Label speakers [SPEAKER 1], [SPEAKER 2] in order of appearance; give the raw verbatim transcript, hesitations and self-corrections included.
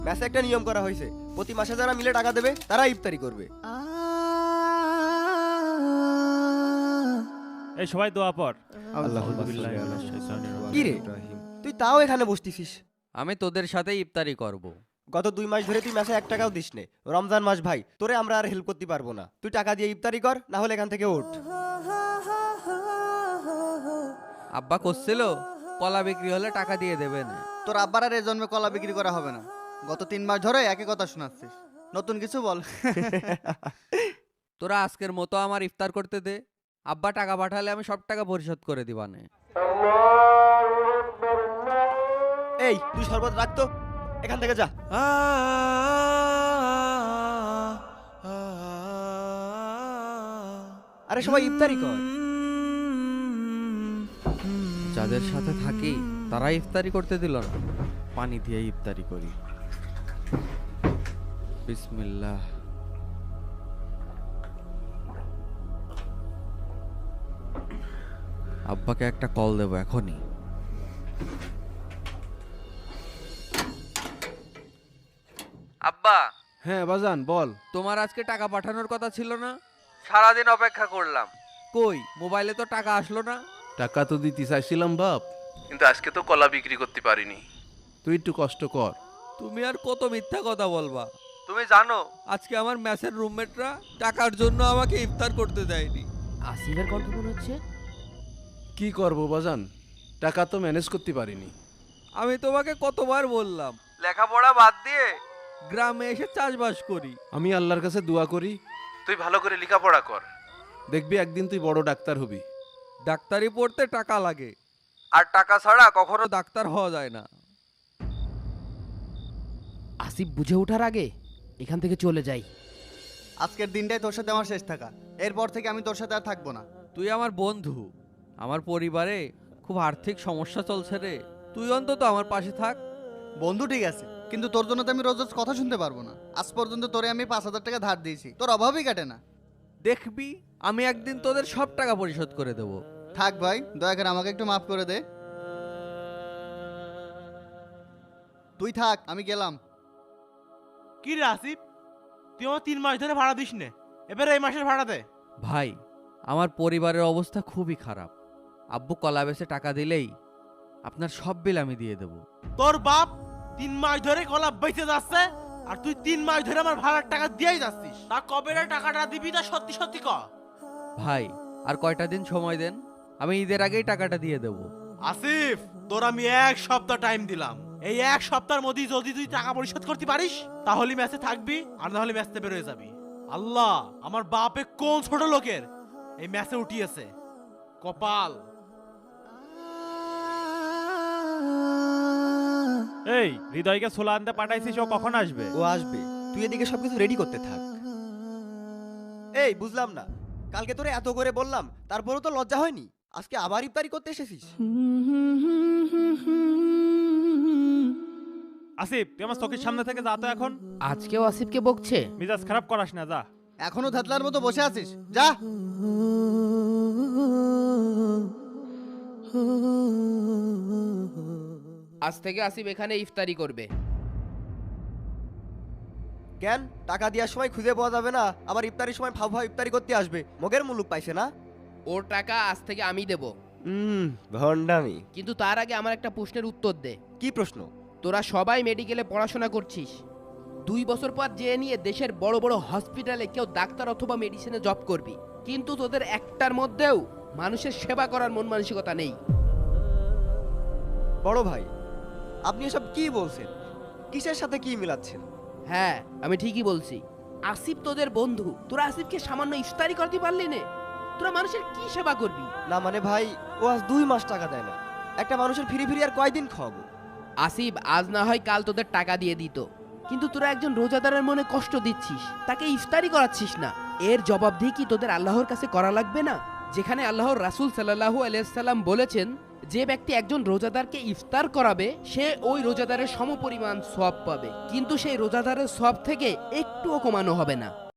[SPEAKER 1] ম্যাচে একটা নিয়ম করা হয়েছে, প্রতি মাসে যারা মিলে টাকা দেবে তারা ইফতারি করবে।
[SPEAKER 2] এই সবাই দোয়া পর।
[SPEAKER 1] কি রে তুই তাও এখানে বসতিছিস?
[SPEAKER 3] আমি তোদের সাথে ইফতারি করব।
[SPEAKER 1] গত দুই মাস ধরে তুই ম্যাচে এক টাকাও দিস নে। রমজান মাস ভাই, তোরে আমরা আর হেল্প করতে পারবো না। তুই টাকা দিয়ে ইফতারি কর, না হলে এখান থেকে ওঠ।
[SPEAKER 3] আব্বা করছিল কলা বিক্রি হলে টাকা দিয়ে দেবেন।
[SPEAKER 4] তোর আব্বার আর এ জন্মে কলা বিক্রি করা হবে না। গত তিন মাস ধরে একই কথা শোনাচ্ছিস, নতুন কিছু বল।
[SPEAKER 3] তোরা আজকের মতো আমার ইফতার করতে দে। আব্বা টাকা পাঠালে আমি সব টাকা পরিশোধ করে দিবানে।
[SPEAKER 1] এই তুই শরবত রাখতো, এখান থেকে যা। আরে সবাই ইফতারি কর।
[SPEAKER 3] যাদের সাথে থাকি তারা ইফতারি করতে দিল না। পানি দিয়ে ইফতারি করি। বিসমিল্লাহ। আব্বাকে একটা কল দেবো এখনই। আব্বা।
[SPEAKER 5] হ্যাঁ বাজান বল।
[SPEAKER 3] তোমার আজকে টাকা পাঠানোর কথা ছিল না? সারাদিন অপেক্ষা করলাম, কই মোবাইলে তো টাকা আসলো না।
[SPEAKER 5] টাকা তো দিতে চাইছিলাম বাপ, কিন্তু আজকে তো কলা বিক্রি করতে পারিনি। তুই একটু কষ্ট কর।
[SPEAKER 3] তুমি আর কত মিথ্যা কথা বলবা? তুমি জানো আজকে আমার ম্যাচের রুমমেটরা টাকার জন্য আমাকে ইফতার করতে দেয়নি।
[SPEAKER 6] আসিফের কণ্ঠ মনে হচ্ছে।
[SPEAKER 5] কি করব বাজান, টাকা তো ম্যানেজ করতে পারিনি।
[SPEAKER 3] আমি তোমাকে কতবার বললাম লেখাপড়া বাদ দিয়ে গ্রামে এসে চাষবাস করি।
[SPEAKER 5] আমি আল্লাহর কাছে দোয়া করি তুই ভালো করে লেখাপড়া কর, দেখবি একদিন তুই বড় ডাক্তার হবি।
[SPEAKER 3] ডাক্তারি পড়তে টাকা লাগে, আর টাকা ছাড়া কখনো ডাক্তার হওয়া যায় না।
[SPEAKER 6] আসিফ বুঝে ওঠার আগে এখান থেকে চলে যাই।
[SPEAKER 4] আজকের দিনটাই তোর সাথে আমার শেষ থাকা, এরপর থেকে আমি তোর সাথে আর থাকবো না।
[SPEAKER 3] তুই আমার বন্ধু, আমার পরিবারে খুব আর্থিক সমস্যা চলছে রে, তুই অন্তত আমার পাশে থাক।
[SPEAKER 4] বন্ধু ঠিক আছে, কিন্তু তোর জন্য তো আমি রোজ রোজ কথা শুনতে পারবো না। আজ পর্যন্ত তোরে আমি পাঁচ হাজার টাকা ধার দিয়েছি, তোর অভাবই কাটে না।
[SPEAKER 3] দেখবি আমি একদিন তোদের সব টাকা পরিশোধ করে দেবো।
[SPEAKER 4] থাক ভাই, দয়া করে আমাকে একটু মাফ করে দে। তুই থাক, আমি গেলাম।
[SPEAKER 2] কি রে আসিফ, তুই আমার তিন মাস ধরে ভাড়া দিস নে, এবারে এই মাসের ভাড়া দে।
[SPEAKER 3] ভাই আমার পরিবারের অবস্থা খুবই খারাপ। আব্বু কলা বেচে টাকা দিলেই আপনার সব বিল আমি দিয়ে দেব।
[SPEAKER 2] তোর বাপ তিন মাস ধরে কলা বেঁচে যাচ্ছে, আর তুই তিন মাস ধরে আমার ভাড়ার টাকা দিয়েই যাচ্ছিস। তা কবে রে টাকাটা দিবি, তা সত্যি সত্যি ক।
[SPEAKER 3] ভাই আর কয়টা দিন সময় দেন, আমি ঈদের আগেই টাকাটা দিয়ে দেব।
[SPEAKER 2] আসিফ তোর আমি এক সপ্তাহ টাইম দিলাম, এই এক সপ্তাহের মধ্যে যদি তুই টাকা পরিশোধ করতে পারিস তাহলে ম্যাচে থাকবি, আর না হলে ম্যাচে বের হয়ে যাবি। আল্লাহ আমার বাপে কোন ছোট লোকের এই ম্যাচে উঠিয়েছে, কপাল। এই হৃদয়কে ছোলা আনতে পাঠাইছিস, ও কখন আসবে?
[SPEAKER 1] ও আসবে, তুই এদিকে সবকিছু রেডি করতে থাক। এই বুঝলাম না, কালকে তোরে এত করে বললাম তারপরেও তো লজ্জা হয়নি? আজকে আবার ইফতারি করতে এসেছিস?
[SPEAKER 2] আসিফ তুই আমার চোখের সামনে থেকে যা তো এখন।
[SPEAKER 6] আজকেও আসিফকে বকছে।
[SPEAKER 2] মিজাজ খারাপ করাস না, যা।
[SPEAKER 4] এখনো ধাতলার মতো বসে আছিস, যা।
[SPEAKER 6] আজ থেকে আসিফ এখানে ইফতারি করবে।
[SPEAKER 1] কেন টাকা দেওয়ার সময় খুঁজে পাওয়া যাবে না, আবার ইফতারির সময় ফাউ ফাউ ইফতারি করতে আসবে? মগের মুলুক পাইছে না?
[SPEAKER 6] ওর টাকা আজ থেকে আমি দেব,
[SPEAKER 1] হুম ভন্ডামি।
[SPEAKER 6] কিন্তু তার আগে আমার একটা প্রশ্নের উত্তর দে।
[SPEAKER 1] কি প্রশ্ন?
[SPEAKER 6] তোরা সবাই মেডিকেলে পড়াশোনা করছিস, দুই বছর পর যে নিয়ে দেশের বড় বড় হসপিটালে কেউ ডাক্তার অথবা মেডিসিনে জব করবি, কিন্তু তোদের একটার মধ্যেও মানুষের সেবা করার মন মানসিকতা নেই।
[SPEAKER 1] বড় ভাই আপনি এসব কি বলছেন? কিসের সাথে কি মিলাচ্ছেন?
[SPEAKER 6] হ্যাঁ আমি ঠিকই বলছি, আসিফ তোদের বন্ধু, তোরা আসিফকে সামান্য ইফতারি করতে পারলি না? তোরা মানুষের কি সেবা করবি?
[SPEAKER 1] না মানে ভাই, ও আজ দুই মাস টাকা দেয় না, একটা মানুষের ফিরি ফিরি আর কয়দিন খাওয়াবো?
[SPEAKER 6] আসিফ আজ না হয় কাল তোদের টাকা দিয়ে দিত, কিন্তু তোরা একজন রোজাদারের মনে কষ্ট দিচ্ছিস, তাকে ইফতারি করাচ্ছিস না। এর জবাবদিহি কি তোদের আল্লাহর কাছে করা লাগবে না? যেখানে আল্লাহর রাসূল সাল্লাল্লাহু আলাইহি সাল্লাম বলেছেন, যে ব্যক্তি একজন রোজাদারকে ইফতার করাবে সে ওই রোজাদারের সমপরিমাণ সওয়াব পাবে, কিন্তু সেই রোজাদারের সওয়াব থেকে একটুও কমানো হবে না।